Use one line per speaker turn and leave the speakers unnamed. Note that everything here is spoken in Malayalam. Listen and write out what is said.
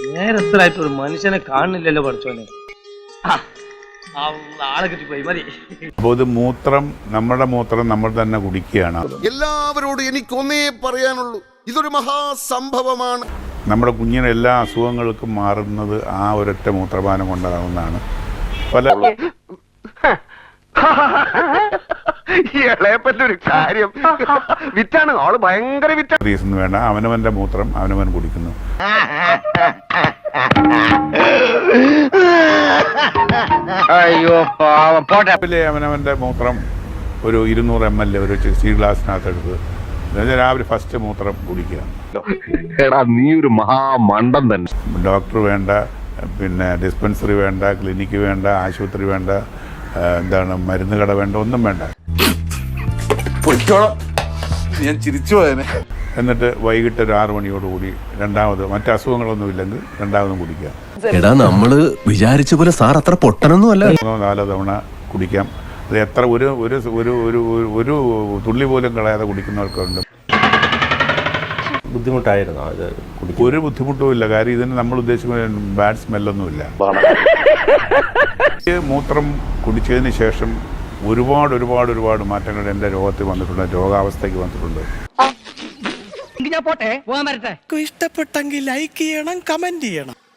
നേരത്തിലായിട്ട് ഒരു മനുഷ്യനെ കാണുന്നില്ലല്ലോ പഠിച്ചോനെ. ആളെ കിട്ടിപ്പോയി മതി.
ഇത് മൂത്രം, നമ്മുടെ മൂത്രം നമ്മൾ തന്നെ കുടിക്കുകയാണ്.
എല്ലാവരോടും എനിക്കൊന്നേ പറയാനുള്ളൂ, ഇതൊരു മഹാസംഭവമാണ്.
നമ്മുടെ കുഞ്ഞിന് എല്ലാ അസുഖങ്ങൾക്കും മാറുന്നത് ആ ഒരൊറ്റ മൂത്രപാനം കൊണ്ടാകുന്നതാണ്. പല
ഇളയപ്പറ്റൊരു കാര്യം വിറ്റാണ് ആള്, ഭയങ്കര വിറ്റ.
റീസൺ വേണ്ട, അവനവന്റെ മൂത്രം അവനവൻ കുടിക്കുന്നു.
അയ്യോ പോട്ടെ.
അവനവന്റെ മൂത്രം ഒരു 200 ml ഒരു സ്റ്റീൽ ഗ്ലാസിനകത്ത് എടുത്ത് രാവിലെ ഫസ്റ്റ് മൂത്രം കുടിക്കുക.
എടാ നീ ഒരു മഹാമണ്ടൻ തന്നെ.
ഡോക്ടർ വേണ്ട, പിന്നെ ഡിസ്പെൻസറി വേണ്ട, ക്ലിനിക്ക് വേണ്ട, ആശുപത്രി വേണ്ട, എന്താണ് മരുന്ന് കട വേണ്ട, ഒന്നും വേണ്ട.
ഞാൻ ചിരിച്ചു പോയനെ.
എന്നിട്ട് വൈകിട്ട് ഒരു 6 മണിയോടുകൂടി രണ്ടാമത് മറ്റു അസുഖങ്ങളൊന്നും ഇല്ലെങ്കിൽ രണ്ടാമതും കുടിക്കുക.
എടാ നമ്മള് വിചാരിച്ച പോലെ സാർ അത്ര പൊട്ടനൊന്നും അല്ല.
3-4 തവണ കുടിക്കാം. അത് എത്ര ഒരു ഒരു ഒരു ഒരു തുള്ളി പോലും കളയാതെ കുടിക്കുന്നവർക്കുണ്ട്.
ബുദ്ധിമുട്ടായിരുന്നു അത്?
ഒരു ബുദ്ധിമുട്ടും ഇല്ല. കാര്യം ഇതിന് നമ്മൾ ഉദ്ദേശിക്കുന്ന ബാഡ് സ്മെല്ലൊന്നുമില്ല. മൂത്രം കുടിച്ചതിന് ശേഷം ഒരുപാട് ഒരുപാട് ഒരുപാട് മാറ്റങ്ങൾ എൻ്റെ രോഗത്തിൽ വന്നിട്ടുണ്ട്, രോഗാവസ്ഥയ്ക്ക് വന്നിട്ടുണ്ട്.
ഞാൻ പോട്ടെ, പോകാൻ വരട്ടെ.
ഇഷ്ടപ്പെട്ടെങ്കിൽ ലൈക്ക് ചെയ്യണം, കമന്റ് ചെയ്യണം.